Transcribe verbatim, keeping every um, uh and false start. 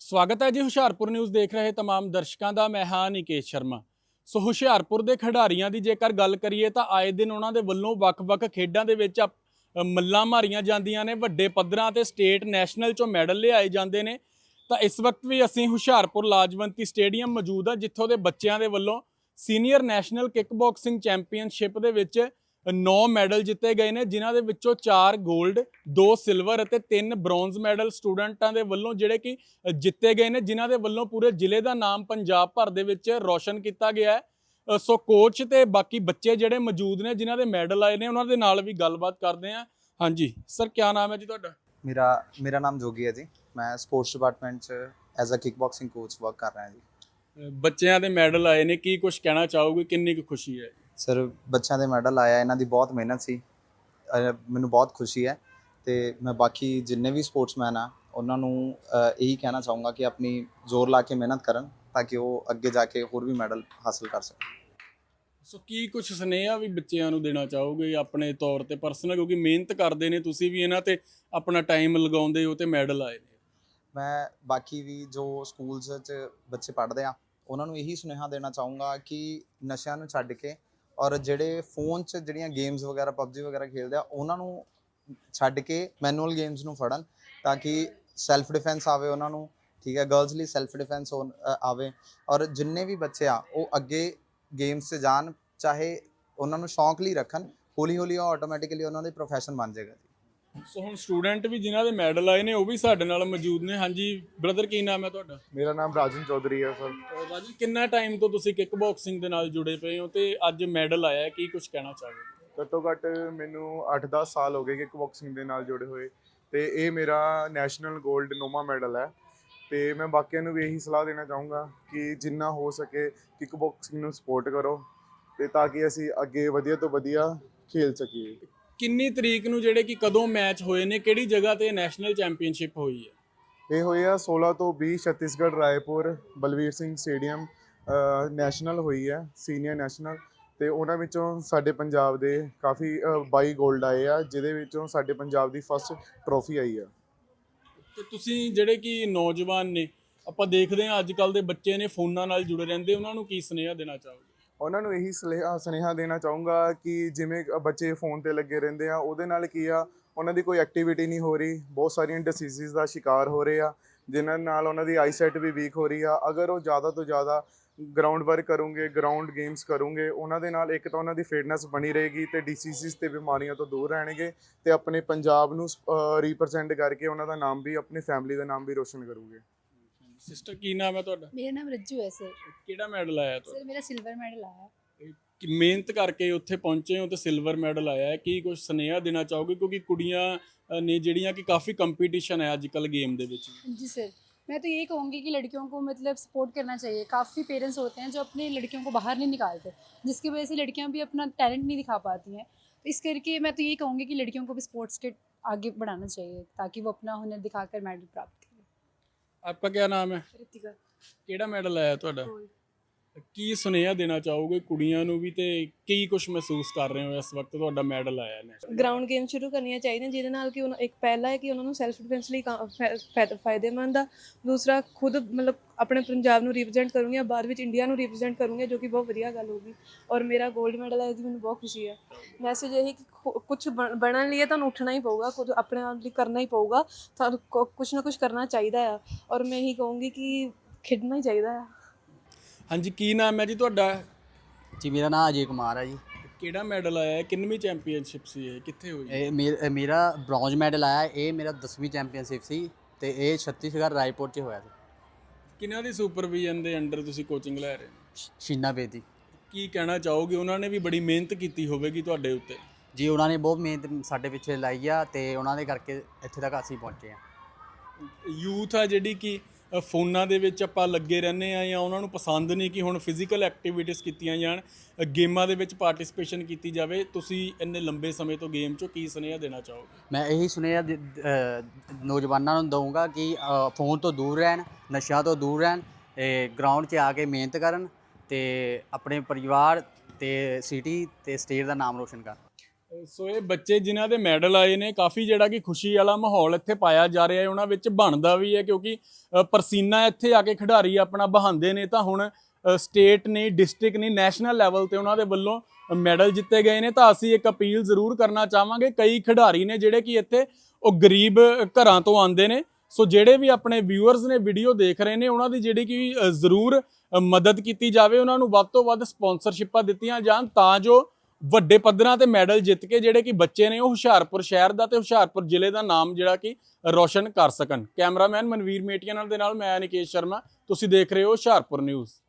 ਸਵਾਗਤ ਹੈ ਜੀ ਹੁਸ਼ਿਆਰਪੁਰ ਨਿਊਜ਼ ਦੇਖ ਰਹੇ तमाम ਦਰਸ਼ਕਾਂ ਦਾ। ਮੈਂ ਹਾਂ ਨਿਕੇਸ਼ ਸ਼ਰਮਾ। ਸੋ ਹੁਸ਼ਿਆਰਪੁਰ ਦੇ ਖਿਡਾਰੀਆਂ ਦੀ ਜੇਕਰ ਗੱਲ ਕਰੀਏ ਤਾਂ ਆਏ ਦਿਨ ਉਹਨਾਂ ਦੇ ਵੱਲੋਂ ਵੱਖ-ਵੱਖ ਖੇਡਾਂ ਦੇ ਵਿੱਚ ਅ, ਮੱਲਾਂ ਮਾਰੀਆਂ ਜਾਂਦੀਆਂ ਨੇ, ਵੱਡੇ ਪੱਧਰਾਂ ਤੇ ਸਟੇਟ ਨੈਸ਼ਨਲ ਚੋਂ ਮੈਡਲ ਲਿਆਏ ਜਾਂਦੇ ਨੇ। ਤਾਂ ਇਸ ਵਕਤ ਵੀ ਅਸੀਂ ਹੁਸ਼ਿਆਰਪੁਰ ਲਾਜਵੰਤੀ ਸਟੇਡੀਅਮ ਮੌਜੂਦ ਆ, ਜਿੱਥੋਂ ਦੇ ਬੱਚਿਆਂ ਦੇ ਵੱਲੋਂ senior national kick boxing championship ਦੇ ਵਿੱਚ ਨੌ ਮੈਡਲ ਜਿੱਤੇ ਗਏ ਨੇ, ਜਿਨ੍ਹਾਂ ਦੇ ਵਿੱਚੋਂ ਚਾਰ 골ਡ, ਦੋ ਸਿਲਵਰ ਅਤੇ ਤਿੰਨ ਬ੍ਰੌਂਜ਼ ਮੈਡਲ ਸਟੂਡੈਂਟਾਂ ਦੇ ਵੱਲੋਂ ਜਿਹੜੇ ਕਿ ਜਿੱਤੇ ਗਏ ਨੇ, ਜਿਨ੍ਹਾਂ ਦੇ ਵੱਲੋਂ ਪੂਰੇ ਜ਼ਿਲ੍ਹੇ ਦਾ ਨਾਮ ਪੰਜਾਬ ਭਰ ਦੇ ਵਿੱਚ ਰੌਸ਼ਨ ਕੀਤਾ ਗਿਆ ਹੈ। ਅ, ਸੋ ਕੋਚ ਤੇ ਬਾਕੀ ਬੱਚੇ ਜਿਹੜੇ ਮੌਜੂਦ ਨੇ, ਜਿਨ੍ਹਾਂ ਦੇ ਮੈਡਲ ਆਏ ਨੇ, ਉਹਨਾਂ ਦੇ ਨਾਲ ਵੀ ਗੱਲਬਾਤ ਕਰਦੇ ਹਾਂ। ਹਾਂਜੀ ਸਰ, ਕੀ ਨਾਮ ਹੈ ਜੀ ਤੁਹਾਡਾ? मेरा मेरा नाम जोगी है जी। मैं स्पोर्ट्स डिपार्टमेंट च as a kick boxing coach work कर रहा जी। ਅ, ਬੱਚਿਆਂ ਦੇ ਮੈਡਲ ਆਏ ਨੇ, ਕੀ ਕੁਝ ਕਹਿਣਾ ਚਾਹੋਗੇ? ਕਿੰਨੀ ਕੁ ਖੁਸ਼ੀ ਹੈ? ਸਰ, ਬੱਚਿਆਂ ਦੇ ਮੈਡਲ ਆਇਆ, ਇਹਨਾਂ ਦੀ ਬਹੁਤ ਮਿਹਨਤ ਸੀ। ਅ, ਮੈਨੂੰ ਬਹੁਤ ਖੁਸ਼ੀ ਹੈ ਤੇ ਮੈਂ ਬਾਕੀ ਜਿੰਨੇ ਵੀ ਸਪੋਰਟਸਮੈਨ ਆ ਉਹਨਾਂ ਨੂੰ ਅ, ਇਹੀ ਕਹਿਣਾ ਚਾਹੂੰਗਾ ਕਿ ਆਪਣੀ ਜ਼ੋਰ ਲਾ ਕੇ ਮਿਹਨਤ ਕਰਨ ਤਾਂ ਕਿ ਉਹ ਅੱਗੇ ਜਾ ਕੇ ਹੋਰ ਵੀ ਮੈਡਲ ਹਾਸਲ ਕਰ ਸਕਣ। ਸੋ ਕੀ ਕੁਝ ਸੁਨੇਹਾ ਵੀ ਬੱਚਿਆਂ ਨੂੰ ਦੇਣਾ ਚਾਹੋਗੇ ਆਪਣੇ ਤੌਰ ਤੇ ਪਰਸਨਲ, ਕਿਉਂਕਿ ਮਿਹਨਤ ਕਰਦੇ ਨੇ ਤੁਸੀਂ ਵੀ ਇਹਨਾਂ ਤੇ ਆਪਣਾ ਟਾਈਮ ਲਗਾਉਂਦੇ ਹੋ ਤੇ ਮੈਡਲ ਆਏ ਨੇ? ਮੈਂ ਬਾਕੀ ਵੀ ਜੋ ਸਕੂਲਸ 'ਚ ਬੱਚੇ ਪੜ੍ਹਦੇ ਆ ਉਹਨਾਂ ਨੂੰ ਇਹੀ ਸੁਨੇਹਾ ਦੇਣਾ ਚਾਹੂੰਗਾ ਕਿ ਨਸ਼ਿਆਂ ਨੂੰ ਛੱਡ ਕੇ ਔਰ ਜਿਹੜੇ ਫੋਨ 'ਚ ਜਿਹੜੀਆਂ ਗੇਮਸ ਵਗੈਰਾ ਪਬਜੀ ਵਗੈਰਾ ਖੇਡਦੇ ਆ ਉਹਨਾਂ ਨੂੰ ਛੱਡ ਕੇ ਮੈਨੂਅਲ ਗੇਮਸ ਨੂੰ ਫੜਨ ਤਾਂ ਕਿ ਸੈਲਫ ਡਿਫੈਂਸ ਆਵੇ ਉਹਨਾਂ ਨੂੰ। ਠੀਕ ਹੈ, ਗਰਲਸ ਲਈ ਸੈਲਫ ਡਿਫੈਂਸ ਆਵੇ ਔਰ ਜਿੰਨੇ ਵੀ ਬੱਚੇ ਆ ਉਹ ਅੱਗੇ ਗੇਮਸ 'ਚ ਜਾਣ, ਚਾਹੇ ਉਹਨਾਂ ਨੂੰ ਸ਼ੌਂਕ ਲਈ ਰੱਖਣ, ਹੌਲੀ ਹੌਲੀ ਉਹ ਆਟੋਮੈਟਿਕਲੀ ਉਹਨਾਂ ਦੇ ਪ੍ਰੋਫੈਸ਼ਨ ਬਣ ਜਾਏਗਾ ਜੀ। ਸੋ ਹੁਣ ਸਟੂਡੈਂਟ ਵੀ ਜਿਨ੍ਹਾਂ ਦੇ ਮੈਡਲ ਆਏ ਨੇ ਉਹ ਵੀ ਸਾਡੇ ਨਾਲ ਮੌਜੂਦ ਨੇ। ਹਾਂਜੀ ਬ੍ਰਦਰ, ਕੀ ਨਾਮ ਹੈ ਤੁਹਾਡਾ? ਮੇਰਾ ਨਾਮ ਰਾਜਨ ਚੌਧਰੀ ਹੈ ਸਰ। ਅਹ ਰਾਜੀ, ਕਿੰਨਾ ਟਾਈਮ ਤੋਂ ਤੁਸੀਂ ਕਿਕ ਬਾਕਸਿੰਗ ਦੇ ਨਾਲ ਜੁੜੇ ਪਏ ਹੋ ਤੇ ਅੱਜ ਮੈਡਲ ਆਇਆ ਹੈ, ਕੀ ਕੁਝ ਕਹਿਣਾ ਚਾਹੋਗੇ? ਘੱਟੋ ਘੱਟ ਮੈਨੂੰ ਅੱਠ ਦਸ ਸਾਲ ਹੋ ਗਏ ਕਿਕ ਬਾਕਸਿੰਗ ਦੇ ਨਾਲ ਜੁੜੇ ਹੋਏ ਤੇ ਇਹ ਮੇਰਾ ਨੈਸ਼ਨਲ 골ਡ ਨੌਵਾਂ ਮੈਡਲ ਹੈ। ਤੇ ਮੈਂ ਬਾਕੀਆਂ ਨੂੰ ਵੀ ਇਹੀ ਸਲਾਹ ਦੇਣਾ ਚਾਹੂੰਗਾ ਕਿ ਜਿੰਨਾ ਹੋ ਸਕੇ ਕਿਕ ਬਾਕਸਿੰਗ ਨੂੰ ਸਪੋਰਟ ਕਰੋ ਤੇ ਤਾਂ ਕਿ ਅਸੀਂ ਅੱਗੇ ਵਧੀਆ ਤੋਂ ਵਧੀਆ ਖੇਲ ਸਕੀਏ। ਕਿੰਨੀ ਤਰੀਕ ਨੂੰ ਜਿਹੜੇ ਕਿ ਕਦੋਂ ਮੈਚ ਹੋਏ ਨੇ, ਕਿਹੜੀ ਜਗ੍ਹਾ ਤੇ ਨੈਸ਼ਨਲ ਚੈਂਪੀਅਨਸ਼ਿਪ ਹੋਈ ਹੈ? ਇਹ ਹੋਏ ਆ ਸੋਲਾਂ ਤੋਂ ਵੀਹ ਛੱਤੀਸਗੜ੍ਹ ਰਾਏਪੁਰ ਬਲਵੀਰ ਸਿੰਘ ਸਟੇਡੀਅਮ ਨੈਸ਼ਨਲ ਹੋਈ ਹੈ, ਸੀਨੀਅਰ ਨੈਸ਼ਨਲ। ਤੇ ਉਹਨਾਂ ਵਿੱਚੋਂ ਸਾਡੇ ਪੰਜਾਬ ਦੇ ਕਾਫੀ ਬਾਈ 골ਡ ਆਏ ਆ, ਜਿਹਦੇ ਵਿੱਚੋਂ ਸਾਡੇ ਪੰਜਾਬ ਦੀ ਫਸਟ ਟਰੋਫੀ ਆਈ ਆ। ਤੇ ਤੁਸੀਂ ਜਿਹੜੇ ਕਿ ਨੌਜਵਾਨ ਨੇ, ਆਪਾਂ ਦੇਖਦੇ ਹਾਂ ਅੱਜ ਕੱਲ ਦੇ ਬੱਚੇ ਨੇ ਫੋਨਾਂ ਨਾਲ ਜੁੜੇ ਰਹਿੰਦੇ, ਉਹਨਾਂ ਨੂੰ ਕੀ ਸੁਨੇਹਾ ਦੇਣਾ ਚਾਹੋਗੇ? ਉਹਨਾਂ ਨੂੰ ਇਹੀ ਸਲੇਹਾ ਸੁਨੇਹਾ ਦੇਣਾ ਚਾਹੂੰਗਾ ਕਿ ਜਿਵੇਂ ਬੱਚੇ ਫੋਨ ਤੇ ਲੱਗੇ ਰਹਿੰਦੇ ਆ, ਉਹਦੇ ਨਾਲ ਕੀ ਆ, ਉਹਨਾਂ ਦੀ ਕੋਈ ਐਕਟੀਵਿਟੀ ਨਹੀਂ ਹੋ ਰਹੀ, ਬਹੁਤ ਸਾਰੀਆਂ ਡਿਸੀਜ਼ਿਸ ਦਾ ਸ਼ਿਕਾਰ ਹੋ ਰਹੇ ਆ, ਜਿਨ੍ਹਾਂ ਨਾਲ ਉਹਨਾਂ ਦੀ ਆਈਸਾਈਟ ਵੀ ਵੀਕ ਹੋ ਰਹੀ ਆ। ਅਗਰ ਉਹ ਜ਼ਿਆਦਾ ਤੋਂ ਜ਼ਿਆਦਾ ਗਰਾਊਂਡ ਵਰਕ ਕਰੂੰਗੇ, ਗਰਾਊਂਡ ਗੇਮਸ ਕਰੂੰਗੇ, ਉਹਨਾਂ ਦੇ ਨਾਲ ਇੱਕ ਤਾਂ ਉਹਨਾਂ ਦੀ ਫਿਟਨੈਸ ਬਣੀ ਰਹੇਗੀ ਤੇ ਡਿਸੀਜ਼ਿਸ ਤੇ ਬਿਮਾਰੀਆਂ ਤੋਂ ਦੂਰ ਰਹਿਣਗੇ ਤੇ ਆਪਣੇ ਪੰਜਾਬ ਨੂੰ ਰੀਪ੍ਰਜੈਂਟ ਕਰਕੇ ਉਹਨਾਂ ਦਾ ਨਾਮ ਵੀ, ਆਪਣੀ ਫੈਮਿਲੀ ਦਾ ਨਾਮ ਵੀ ਰੋਸ਼ਨ ਕਰੂਗੇ। ਸਿਸਟਰ, ਕੀ ਨਾਮ ਹੈ ਤੁਹਾਡਾ? मेरा नाम रज्जू है सर। ਕਿਹੜਾ ਮੈਡਲ ਆਇਆ ਤੁਹਾਡਾ? सर मेरा सिल्वर मेडल आया। ਕਿ ਮਿਹਨਤ ਕਰਕੇ ਉੱਥੇ ਪਹੁੰਚੇ ਹੋ ਤੇ ਸਿਲਵਰ ਮੈਡਲ ਆਇਆ ਹੈ, ਕੀ ਕੁਝ ਸੁਨੇਹਾ ਦੇਣਾ ਚਾਹੋਗੇ? ਕਿਉਂਕਿ ਕੁੜੀਆਂ ਅ, ਨੇ ਜਿਹੜੀਆਂ ਕਿ ਕਾਫੀ ਕੰਪੀਟੀਸ਼ਨ ਹੈ ਅੱਜ ਕੱਲ੍ਹ ਗੇਮ ਦੇ ਵਿੱਚ। जी सर, मैं तो यही कहूँगी कि लड़कियों को मतलब सपोर्ट करना चाहिए। काफ़ी पेरेंट्स होते हैं जो अपनी लड़कियों को बाहर नहीं निकालते, जिसकी वजह से लड़कियाँ भी अपना टैलेंट नहीं दिखा पाती हैं। तो इस करके मैं तो यही कहूँगी कि लड़कियों को भी स्पोर्ट्स के आगे बढ़ाना चाहिए ताकि वो अपना हुनर दिखाकर मेडल प्राप्त करें। आपका क्या नाम है? रितिका। ਕਿਹੜਾ ਮੈਡਲ ਆਇਆ ਤੁਹਾਡਾ? ਕੀ ਸੁਨੇਹਾ ਦੇਣਾ ਚਾਹੋਗੇ ਕੁੜੀਆਂ ਨੂੰ ਵੀ, ਤੇ ਕੀ ਕੁਝ ਮਹਿਸੂਸ ਕਰ ਰਹੇ ਹੋ ਇਸ ਵਕਤ ਤੁਹਾਡਾ ਮੈਡਲ ਆਇਆ ਨੇ? ਗਰਾਊਂਡ ਗੇਮ ਸ਼ੁਰੂ ਕਰਨੀਆਂ ਚਾਹੀਦੀਆਂ, ਜਿਹਦੇ ਨਾਲ ਕਿ ਉਹਨਾਂ ਇੱਕ ਪਹਿਲਾ ਹੈ ਕਿ ਉਹਨਾਂ ਨੂੰ ਸੈਲਫ ਡਿਫੈਂਸ ਲਈ ਕਾ- ਫਾਇ- ਫਾਇ- ਫਾਇਦੇਮੰਦ ਆ। ਦੂਸਰਾ, ਖੁਦ ਮਤਲਬ ਆਪਣੇ ਪੰਜਾਬ ਨੂੰ ਰਿਪਰੈਜ਼ੈਂਟ ਕਰੂੰਗੀ, ਬਾਅਦ ਵਿੱਚ ਇੰਡੀਆ ਨੂੰ ਰਿਪਰੈਜ਼ੈਂਟ ਕਰੂੰਗੀ, ਜੋ ਕਿ ਬਹੁਤ ਵਧੀਆ ਗੱਲ ਹੋਊਗੀ। ਔਰ ਮੇਰਾ 골ਡ ਮੈਡਲ ਹੈ, ਇਹਦੀ ਮੈਨੂੰ ਬਹੁਤ ਖੁਸ਼ੀ ਹੈ। ਮੈਸੇਜ ਇਹ ਕਿ ਕੁਝ ਬਣਨ ਲਈ ਤੁਹਾਨੂੰ ਉੱਠਣਾ ਹੀ ਪਊਗਾ, ਕੁਝ ਆਪਣੇ ਆਪ ਲਈ ਕਰਨਾ ਹੀ ਪਊਗਾ, ਤੁਹਾਨੂੰ ਕੁਝ ਨਾ ਕੁਝ ਕਰਨਾ ਚਾਹੀਦਾ ਆ। ਔਰ ਮੈਂ ਇਹੀ ਕਹੂੰਗੀ ਕਿ ਖੇਡਣਾ ਹੀ ਚਾਹੀਦਾ ਆ। ਹਾਂਜੀ, ਕੀ ਨਾਮ ਹੈ ਜੀ ਤੁਹਾਡਾ? ਜੀ ਮੇਰਾ ਨਾਮ ਅਜੇ ਕੁਮਾਰ ਹੈ ਜੀ। ਕਿਹੜਾ ਮੈਡਲ ਆਇਆ ਹੈ? ਕਿੰਨਵੀਂ ਚੈਂਪੀਅਨਸ਼ਿਪ ਸੀ ਇਹ? ਕਿੱਥੇ ਹੋਈ? ਇਹ ਮੇਰ- ਇਹ ਮੇਰਾ ਬ੍ਰੌਂਜ਼ ਮੈਡਲ ਆਇਆ। ਇਹ ਮੇਰਾ ਦਸਵੀਂ ਚੈਂਪੀਅਨਸ਼ਿਪ ਸੀ ਤੇ ਇਹ ਛੱਤੀਸਗੜ੍ਹ ਰਾਏਪੁਰ 'ਚ ਹੋਇਆ ਸੀ। ਕਿਹਨਾਂ ਦੀ ਸੁਪਰਵਿਜ਼ਨ ਦੇ ਅੰਡਰ ਤੁਸੀਂ ਕੋਚਿੰਗ ਲੈ ਰਹੇ ਹੋ? ਸ਼- ਸ਼ੀਨਾ ਬੇਦੀ ਕੀ ਕਹਿਣਾ ਚਾਹੋਗੇ? ਉਹਨਾਂ ਨੇ ਵੀ ਬੜੀ ਮਿਹਨਤ ਕੀਤੀ ਹੋਵੇਗੀ ਤੁਹਾਡੇ ਉੱਤੇ। ਜੀ, ਉਹਨਾਂ ਨੇ ਬਹੁਤ ਮਿਹਨਤ ਸਾਡੇ ਪਿੱਛੇ ਲਾਈ ਆ ਤੇ ਉਹਨਾਂ ਦੇ ਕਰਕੇ ਇੱਥੇ ਤੱਕ ਅਸੀਂ ਪਹੁੰਚੇ ਆ। ਯੂਥ ਆ ਜਿਹੜੀ ਕਿ ਅ, ਫੋਨਾਂ ਦੇ ਵਿੱਚ ਆਪਾਂ ਲੱਗੇ ਰਹਿੰਦੇ ਆ, ਜਾਂ ਉਹਨਾਂ ਨੂੰ ਪਸੰਦ ਨਹੀਂ ਕਿ ਹੁਣ ਫਿਜ਼ੀਕਲ ਐਕਟੀਵਿਟੀਜ਼ ਕੀਤੀਆਂ ਜਾਣ, ਅ, ਗੇਮਾਂ ਦੇ ਵਿੱਚ ਪਾਰਟਿਸਿਪੇਸ਼ਨ ਕੀਤੀ ਜਾਵੇ। ਤੁਸੀਂ ਇੰਨੇ ਲੰਬੇ ਸਮੇਂ ਤੋਂ ਗੇਮ 'ਚੋਂ ਕੀ ਸੁਨੇਹਾ ਦੇਣਾ ਚਾਹੋਗੇ? ਮੈਂ ਇਹੀ ਸੁਨੇਹਾ ਦ- ਅ, ਨੌਜਵਾਨਾਂ ਨੂੰ ਦਊਂਗਾ ਕਿ ਅ, ਫੋਨ ਤੋਂ ਦੂਰ ਰਹਿਣ, ਨਸ਼ਿਆਂ ਤੋਂ ਦੂਰ ਰਹਿਣ, ਤੇ ਗਰਾਊਂਡ 'ਚ ਆ ਕੇ ਮਿਹਨਤ ਕਰਨ ਤੇ ਆਪਣੇ ਪਰਿਵਾਰ ਤੇ ਸਿਟੀ ਤੇ ਸਟੇਟ ਦਾ ਨਾਮ ਰੋਸ਼ਨ ਕਰਨ। ਸੋ ਇਹ ਬੱਚੇ ਜਿਨ੍ਹਾਂ ਦੇ ਮੈਡਲ ਆਏ ਨੇ, ਕਾਫੀ ਜਿਹੜਾ ਕਿ ਖੁਸ਼ੀ ਵਾਲਾ ਮਾਹੌਲ ਇੱਥੇ ਪਾਇਆ ਜਾ ਰਿਹਾ ਹੈ, ਉਹਨਾਂ ਵਿੱਚ ਬਣਦਾ ਵੀ ਹੈ ਕਿਉਂਕਿ ਅ, ਪਰਸੀਨਾ ਇੱਥੇ ਆ ਕੇ ਖਿਡਾਰੀ ਆਪਣਾ ਬਹਾਉਂਦੇ ਨੇ ਤਾਂ ਹੁਣ ਸਟੇਟ ਨਹੀਂ, ਡਿਸਟ੍ਰਿਕਟ ਨਹੀਂ, ਨੈਸ਼ਨਲ ਲੈਵਲ ਤੇ ਉਹਨਾਂ ਦੇ ਵੱਲੋਂ ਮੈਡਲ ਜਿੱਤੇ ਗਏ ਨੇ। ਤਾਂ ਅਸੀਂ ਇੱਕ ਅਪੀਲ ਜ਼ਰੂਰ ਕਰਨਾ ਚਾਹਾਂਗੇ, ਕਈ ਖਿਡਾਰੀ ਨੇ ਜਿਹੜੇ ਕਿ ਇੱਥੇ ਉਹ ਗਰੀਬ ਘਰਾਂ ਤੋਂ ਆਉਂਦੇ ਨੇ, ਸੋ ਜਿਹੜੇ ਵੀ ਆਪਣੇ ਵਿਊਅਰਸ ਨੇ ਵੀਡੀਓ ਦੇਖ ਰਹੇ ਨੇ ਉਹਨਾਂ ਦੀ ਜਿਹੜੀ ਕਿ ਅ, ਜ਼ਰੂਰ ਅ, ਮਦਦ ਕੀਤੀ ਜਾਵੇ, ਉਹਨਾਂ ਨੂੰ ਵੱਧ ਤੋਂ ਵੱਧ ਸਪਾਂਸਰਸ਼ਿਪਾਂ ਦਿੱਤੀਆਂ ਜਾਣ ਤਾਂ ਜੋ ਵੱਡੇ ਪੱਧਰਾਂ ਤੇ ਮੈਡਲ ਜਿੱਤ ਕੇ ਜਿਹੜੇ ਕਿ ਬੱਚੇ ਨੇ ਉਹ ਹੁਸ਼ਿਆਰਪੁਰ ਸ਼ਹਿਰ ਦਾ ਤੇ ਹੁਸ਼ਿਆਰਪੁਰ ਜ਼ਿਲ੍ਹੇ ਦਾ ਨਾਮ ਜਿਹੜਾ ਕਿ ਰੋਸ਼ਨ ਕਰ ਸਕਣ। ਕੈਮਰਾਮੈਨ ਮਨਵੀਰ ਮੇਟੀਆ ਨਾਲ ਦੇ ਨਾਲ ਮੈਂ ਨਿਕੇਸ਼ ਸ਼ਰਮਾ, ਤੁਸੀਂ ਦੇਖ ਰਹੇ ਹੋ ਹੁਸ਼ਿਆਰਪੁਰ ਨਿਊਜ਼।